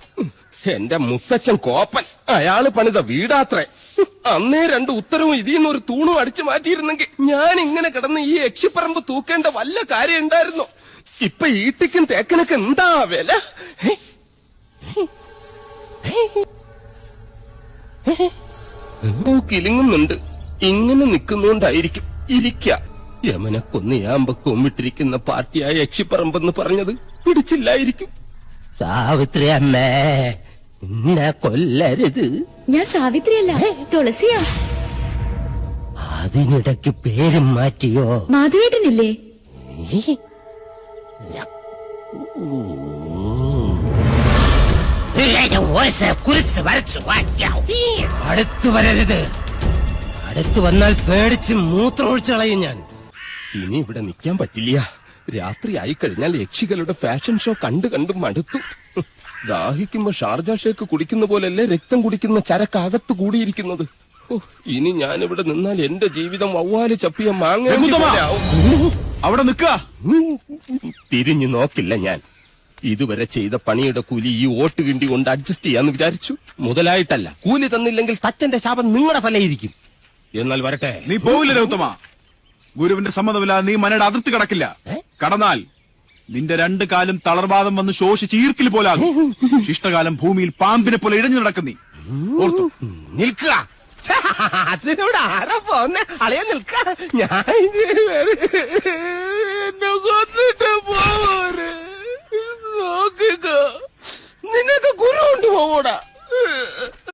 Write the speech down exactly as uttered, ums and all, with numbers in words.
എന്റെ മുത്തച്ഛൻ കോപ്പൻ, അയാള് പണിത വീടാത്രേ. അന്നേ രണ്ട് ഉത്തരവും ഇതിന്ന് ഒരു തൂണും അടിച്ചു മാറ്റിയിരുന്നെങ്കിൽ ഞാൻ ഇങ്ങനെ കിടന്ന് ഈ യക്ഷിപ്പറമ്പ് തൂക്കേണ്ട വല്ല കാര്യം ഉണ്ടായിരുന്നോ? ഇപ്പൊ ഈട്ടിക്കും തേക്കനൊക്കെ എന്താ വില? കിലുങ്ങുന്നുണ്ട്. ഇങ്ങനെ നിൽക്കുന്നോണ്ടായിരിക്കും ഇരിക്ക. യമനെ കൊന്നിയാമ്പ കൊമ്മിട്ടിരിക്കുന്ന പാർട്ടിയായ യക്ഷിപ്പറമ്പെന്ന് പറഞ്ഞത് പിടിച്ചില്ലായിരിക്കും. സാവിത്രി അമ്മേ, എന്നെ കൊല്ലരുത്. ഞാൻ സാവിത്രിയല്ല, തുളസിയാ. അതിനിടയ്ക്ക് പേരും മാറ്റിയോ? മാധവേട്ടനില്ലേ? അടുത്തു വരരുത്. അടുത്തു വന്നാൽ പേടിച്ച് മൂത്രമൊഴിച്ചു കളയും ഞാൻ. ഇനി ഇവിടെ നിൽക്കാൻ പറ്റില്ല. രാത്രി ആയി കഴിഞ്ഞാൽ യക്ഷികളുടെ ഫാഷൻ ഷോ കണ്ടു കണ്ടു മടുത്തു. ദാഹിക്കുമ്പോ ഷാർജ ഷേക്ക് കുടിക്കുന്ന പോലല്ലേ രക്തം കുടിക്കുന്ന ചരക്കകത്ത് കൂടിയിരിക്കുന്നത്. ഇനി ഞാനിവിടെ നിന്നാൽ എന്റെ ജീവിതം വവ്വാല് ചപ്പിയ മാങ്ങ. അവിടെ നിൽക്ക. തിരിഞ്ഞു നോക്കില്ല ഞാൻ. ഇതുവരെ ചെയ്ത പണിയുടെ കൂലി ഈ ഓട്ട് കിണ്ടി കൊണ്ട് അഡ്ജസ്റ്റ് ചെയ്യാന്ന് വിചാരിച്ചു. മുതലായിട്ടല്ല. കൂലി തന്നില്ലെങ്കിൽ തച്ചന്റെ ശാപം നിങ്ങളുടെ തലയിരിക്കും. എന്നാൽ വരട്ടെ. നീ പോവില്ല രൗത്തമ. ഗുരുവിന്റെ സമ്മതമില്ലാതെ നീ മനയുടെ അതിർത്തി കടക്കില്ല. കടന്നാൽ നിന്റെ രണ്ട് കാലും തളർവാദം വന്ന് ശോഷിച്ച് ഈർക്കിൽ പോലാകും. ശിഷ്ടകാലം ഭൂമിയിൽ പാമ്പിനെ പോലെ ഇഴഞ്ഞു നടക്കും. നീ ഓർത്തു നിൽക്കുക. അതിനോട് ആരാ പോന്നെ? അളയ നിൽക്ക. ഞാൻ എന്നെ കൊന്നിട്ട് പോവര് നോക്കുക. നിനക്ക് ഗുരു ഉണ്ട് പോകൂടാ.